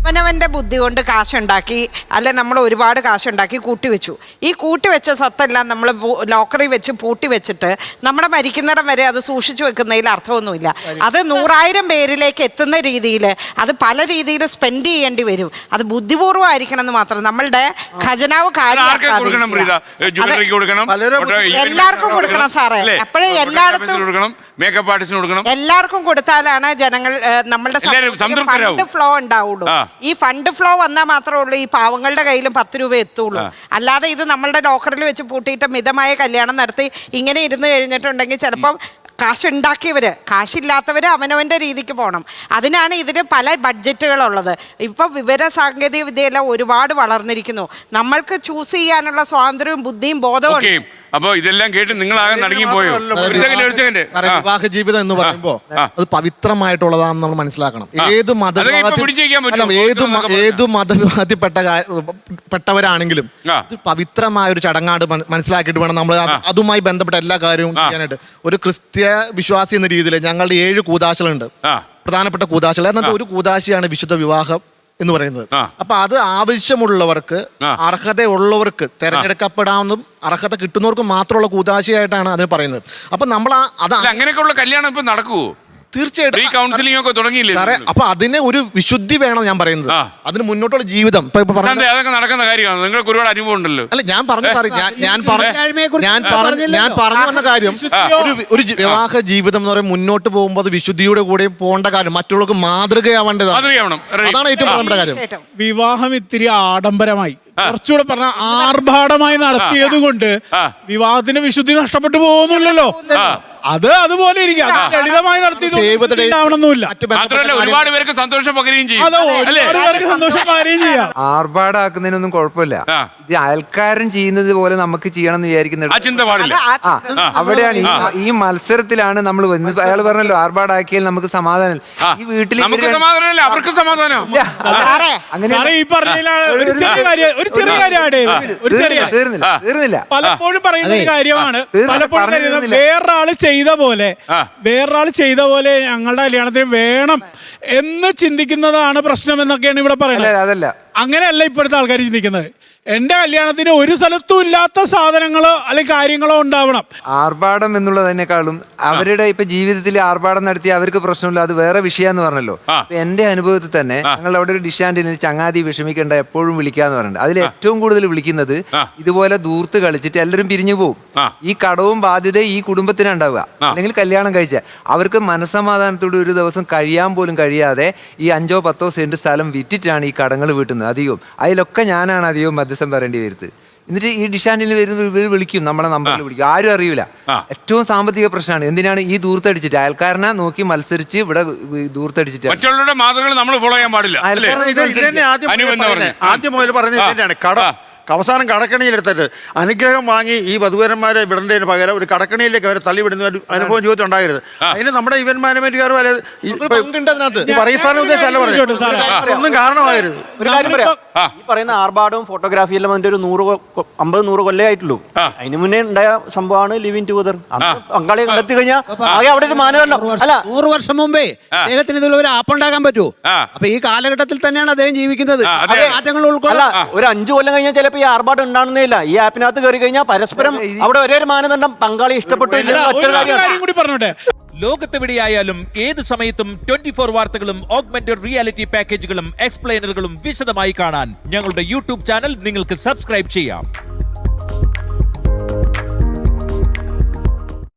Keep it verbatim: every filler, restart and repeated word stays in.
അവനവൻ്റെ ബുദ്ധി കൊണ്ട് കാശുണ്ടാക്കി അല്ലെ നമ്മൾ ഒരുപാട് കാശുണ്ടാക്കി കൂട്ടിവെച്ചു. ഈ കൂട്ടിവെച്ച സ്വത്തെല്ലാം നമ്മൾ ലോക്കറി വെച്ച് പൂട്ടി വെച്ചിട്ട് നമ്മുടെ മരിക്കുന്നിടം വരെ അത് സൂക്ഷിച്ചു വെക്കുന്നതിൽ അർത്ഥമൊന്നുമില്ല. അത് നൂറായിരം പേരിലേക്ക് എത്തുന്ന രീതിയിൽ അത് പല രീതിയിൽ സ്പെൻഡ് ചെയ്യേണ്ടി വരും. അത് ബുദ്ധിപൂർവ്വമായിരിക്കണം എന്ന് മാത്രം. നമ്മളുടെ ഖജനാവ് എല്ലാവർക്കും കൊടുക്കണം സാറേ. അപ്പോഴേ എല്ലായിടത്തും മേക്കപ്പ് ആർട്ടിസ്റ്റിന് കൊടുക്കണം. എല്ലാവർക്കും കൊടുത്താലാണ് ജനങ്ങൾ നമ്മളുടെ ഫണ്ട് ഫ്ലോ ഉണ്ടാവുള്ളൂ. ഈ ഫണ്ട് ഫ്ലോ വന്നാൽ മാത്രമേ ഉള്ളൂ ഈ പാവങ്ങളുടെ കയ്യിലും പത്ത് രൂപ എത്തുള്ളൂ. അല്ലാതെ ഇത് നമ്മളുടെ ലോക്കറിൽ വെച്ച് പൂട്ടിയിട്ട് മിതമായ കല്യാണം നടത്തി ഇങ്ങനെ ഇരുന്ന് കഴിഞ്ഞിട്ടുണ്ടെങ്കിൽ ചിലപ്പം കാശുണ്ടാക്കിയവർ, കാശില്ലാത്തവർ അവനവൻ്റെ രീതിക്ക് പോകണം. അതിനാണ് ഇതിന് പല ബഡ്ജറ്റുകളുള്ളത്. ഇപ്പം വിവര സാങ്കേതിക വിദ്യയെല്ലാം ഒരുപാട് വളർന്നിരിക്കുന്നു. നമ്മൾക്ക് ചൂസ് ചെയ്യാനുള്ള സ്വാതന്ത്ര്യവും ബുദ്ധിയും ബോധവും. അപ്പൊ ഇതെല്ലാം കേട്ട് നിങ്ങളാകെ നടുങ്ങി പോയോ? വിവാഹ ജീവിതം എന്ന് പറയുമ്പോ അത് പവിത്രമായിട്ടുള്ളതാണെന്ന് നമ്മൾ മനസ്സിലാക്കണം. ഏത് മത ഏത് ഏത് മതവിഭാഗത്തിൽപ്പെട്ട പെട്ടവരാണെങ്കിലും ഇത് പവിത്രമായ ഒരു ചടങ്ങാട് മനസ്സിലാക്കിയിട്ട് വേണം നമ്മൾ അതുമായി ബന്ധപ്പെട്ട എല്ലാ കാര്യവും ചെയ്യാനായിട്ട്. ഒരു ക്രിസ്ത്യ വിശ്വാസി എന്ന രീതിയിൽ ഞങ്ങളുടെ ഏഴ് കൂദാശകളുണ്ട്, പ്രധാനപ്പെട്ട കൂദാശകൾ. എന്നിട്ട് ഒരു കൂദാശയാണ് വിശുദ്ധ വിവാഹം എന്ന് പറയുന്നത്. അപ്പൊ അത് ആവശ്യമുള്ളവർക്ക്, അർഹതയുള്ളവർക്ക്, തെരഞ്ഞെടുക്കപ്പെടാവുന്നതും അർഹത കിട്ടുന്നവർക്ക് മാത്രമുള്ള കൂദാശയായിട്ടാണ് അതിന് പറയുന്നത്. അപ്പൊ നമ്മൾ അത് അങ്ങനെയൊക്കെയുള്ള കല്യാണം ഇപ്പൊ നടക്കുവോ? തീർച്ചയായിട്ടും കൗൺസിലിംഗ് ഒക്കെ തുടങ്ങിയില്ലേ? അപ്പൊ അതിന് ഒരു വിശുദ്ധി വേണം. ഞാൻ പറയുന്നത് അതിന് മുന്നോട്ടുള്ള ജീവിതം അതൊക്കെ നടക്കുന്ന കാര്യമാണ്. നിങ്ങൾക്ക് ഒരുപാട് അനുഭവം ഉണ്ടല്ലോ. അല്ല ഞാൻ പറഞ്ഞു സാറേ, ഞാൻ പറഞ്ഞു ഞാൻ പറഞ്ഞു ഞാൻ പറഞ്ഞു വന്ന കാര്യം ഒരു വിവാഹ ജീവിതം എന്ന് പറയുമ്പോൾ മുന്നോട്ട് പോകുമ്പോൾ അത് വിശുദ്ധിയുടെ കൂടെ പോകേണ്ട കാര്യം, മറ്റുള്ളവർക്ക് മാതൃകയാവേണ്ടതാണ്. അതാണ് ഏറ്റവും പ്രധാനപ്പെട്ട കാര്യം. വിവാഹം ഇത്തിരി ആഡംബരമായി, കുറച്ചുകൂടെ പറഞ്ഞ ആർഭാടമായി നടത്തിയത് കൊണ്ട് വിവാഹത്തിന്റെ വിശുദ്ധി നഷ്ടപ്പെട്ടു പോകുന്നില്ലല്ലോ. അത് അതുപോലെ ഇരിക്കും. ലളിതമായി നടത്തിയതൊന്നുമില്ല. ഒരുപാട് പേർക്ക് സന്തോഷം പകരുകയും ചെയ്യും. സന്തോഷം പകരുകയും ചെയ്യാം. ആർഭാടാക്കുന്നതിനൊന്നും കുഴപ്പമില്ല. ഇത് അയൽക്കാരൻ ചെയ്യുന്നത് പോലെ നമുക്ക് ചെയ്യണം എന്ന് വിചാരിക്കുന്നത് അവിടെയാണ്. ഈ മത്സരത്തിലാണ് നമ്മൾ വന്നത്. അയാൾ പറഞ്ഞല്ലോ ആർഭാടാക്കിയാൽ നമുക്ക് സമാധാനം. ഈ വീട്ടിൽ അവർക്ക് സമാധാനം അങ്ങനെ ഈ പറഞ്ഞതിലാണ് ഒരു ചെറിയ കാര്യം ഒരു ചെറിയ കാര്യം ഒരു ചെറിയ തീർന്നില്ല തീർന്നില്ല പലപ്പോഴും പറയുന്ന ഒരു കാര്യമാണ്. പലപ്പോഴും പറയുന്നത് വേറൊരാള് ചെയ്ത പോലെ വേറൊരാൾ ചെയ്ത പോലെ ഞങ്ങളുടെ കല്യാണത്തിന് വേണം എന്ന് ചിന്തിക്കുന്നതാണ് പ്രശ്നം എന്നൊക്കെയാണ് ഇവിടെ പറയുന്നത്. അതല്ല, അങ്ങനെയല്ല ഇപ്പോഴത്തെ ആൾക്കാർ ചിന്തിക്കുന്നത്. എന്റെ കല്യാണത്തിന് ഒരു സ്ഥലത്തും ഇല്ലാത്ത സാധനങ്ങളോ അല്ലെങ്കിൽ കാര്യങ്ങളോ ഉണ്ടാവണം. ആർഭാടം എന്നുള്ളതിനേക്കാളും അവരുടെ ഇപ്പൊ ജീവിതത്തിൽ ആർഭാടം നടത്തി അവർക്ക് പ്രശ്നമില്ല, അത് വേറെ വിഷയാന്ന് പറഞ്ഞല്ലോ. എന്റെ അനുഭവത്തിൽ തന്നെ ഞങ്ങൾ അവിടെ ഒരു ഡിഷാൻഡിന് ചങ്ങാതി വിഷമിക്കേണ്ട എപ്പോഴും വിളിക്കാന്ന് പറഞ്ഞിട്ടുണ്ട്. അതിൽ ഏറ്റവും കൂടുതൽ വിളിക്കുന്നത് ഇതുപോലെ ദൂർത്ത് കളിച്ചിട്ട് എല്ലാവരും പിരിഞ്ഞു പോകും. ഈ കടവും ബാധ്യത ഈ കുടുംബത്തിന് ഉണ്ടാവുക. അല്ലെങ്കിൽ കല്യാണം കഴിച്ച അവർക്ക് മനസ്സമാധാനത്തോടെ ഒരു ദിവസം കഴിയാൻ പോലും കഴിയാതെ ഈ അഞ്ചോ പത്തോ സെന്റ് സ്ഥലം വിറ്റിട്ടാണ് ഈ കടങ്ങൾ വീട്ടുന്നത് അധികവും. അതിലൊക്കെ ഞാനാണ് അധികവും മധ്യസ്ഥം പറയേണ്ടി വരുന്നത്. എന്നിട്ട് ഈ ഡിഷാൻഡിൽ വരുന്ന വിളിക്കും, നമ്മളെ നമ്പറിൽ വിളിക്കും, ആരും അറിയില്ല. ഏറ്റവും സാമ്പത്തിക പ്രശ്നമാണ്. എന്തിനാണ് ഈ ദൂർത്തടിച്ചിട്ട് അയൽക്കാരനെ നോക്കി മത്സരിച്ച് ഇവിടെ ദൂർത്തടിച്ചിട്ട് മറ്റുള്ളവരുടെ മാതൃകകൾ നമ്മൾ ഫോളോ ചെയ്യാൻ പാടില്ല. ആദ്യം മുതൽ പറഞ്ഞത് കട അവസാനം കടക്കണിയിലെടുത്തിട്ട് അനുഗ്രഹം വാങ്ങി ഈ വധുവരന്മാരെ വിടേണ്ടതിന് പകരം ഒരു കടക്കണിയിലേക്ക് അവരെ തള്ളിവിടുന്ന ഒരു അനുഭവം ജീവിതത്തിൽ ഉണ്ടാകരുത്. അതിന് നമ്മുടെ ഇവന്റ് മാനേജ്മെന്റുകാർ ഒന്നും കാരണമായിരുന്നു. ഒരു കാര്യം പറയാം, ഈ പറയുന്ന ആർഭാടവും ഫോട്ടോഗ്രാഫിയെല്ലാം അതിന്റെ ഒരു നൂറ് അമ്പത് നൂറ് കൊല്ലേ ആയിട്ടുള്ളൂ. അതിന് മുന്നേ ഉണ്ടായ സംഭവമാണ് ലിവിങ് ടുഗദർ. പങ്കാളിയെ കണ്ടെത്തി കഴിഞ്ഞാൽ ആകെ അവിടെ ഒരു മാനദണ്ഡം അല്ല. നൂറ് വർഷം മുമ്പേ അദ്ദേഹത്തിന് ഇതിൽ ഒരു ആപ്പ് ഉണ്ടാക്കാൻ പറ്റുമോ? അപ്പൊ ഈ കാലഘട്ടത്തിൽ തന്നെയാണ് അദ്ദേഹം ജീവിക്കുന്നത്. മാറ്റങ്ങൾ ഉൾക്കൊള്ളാം. ഒരു അഞ്ചു കൊല്ലം കഴിഞ്ഞാൽ ചിലപ്പോൾ ഈ ആർഭാടം ഉണ്ടാകുന്നില്ല. ഈ ആപ്പിനകത്ത് കയറി കഴിഞ്ഞാൽ പരസ്പരം അവിടെ ഒരേ ഒരു മാനദണ്ഡം പങ്കാളി ഇഷ്ടപ്പെട്ടു. ലോകത്തെവിടെയായാലും ഏത് സമയത്തും ട്വന്റി ഫോർ വാർത്തകളും ഓഗ്മെന്റഡ് റിയാലിറ്റി പാക്കേജുകളും എക്സ്പ്ലെയിനറുകളും വിശദമായി കാണാൻ ഞങ്ങളുടെ യൂട്യൂബ് ചാനൽ നിങ്ങൾക്ക് സബ്സ്ക്രൈബ് ചെയ്യാം.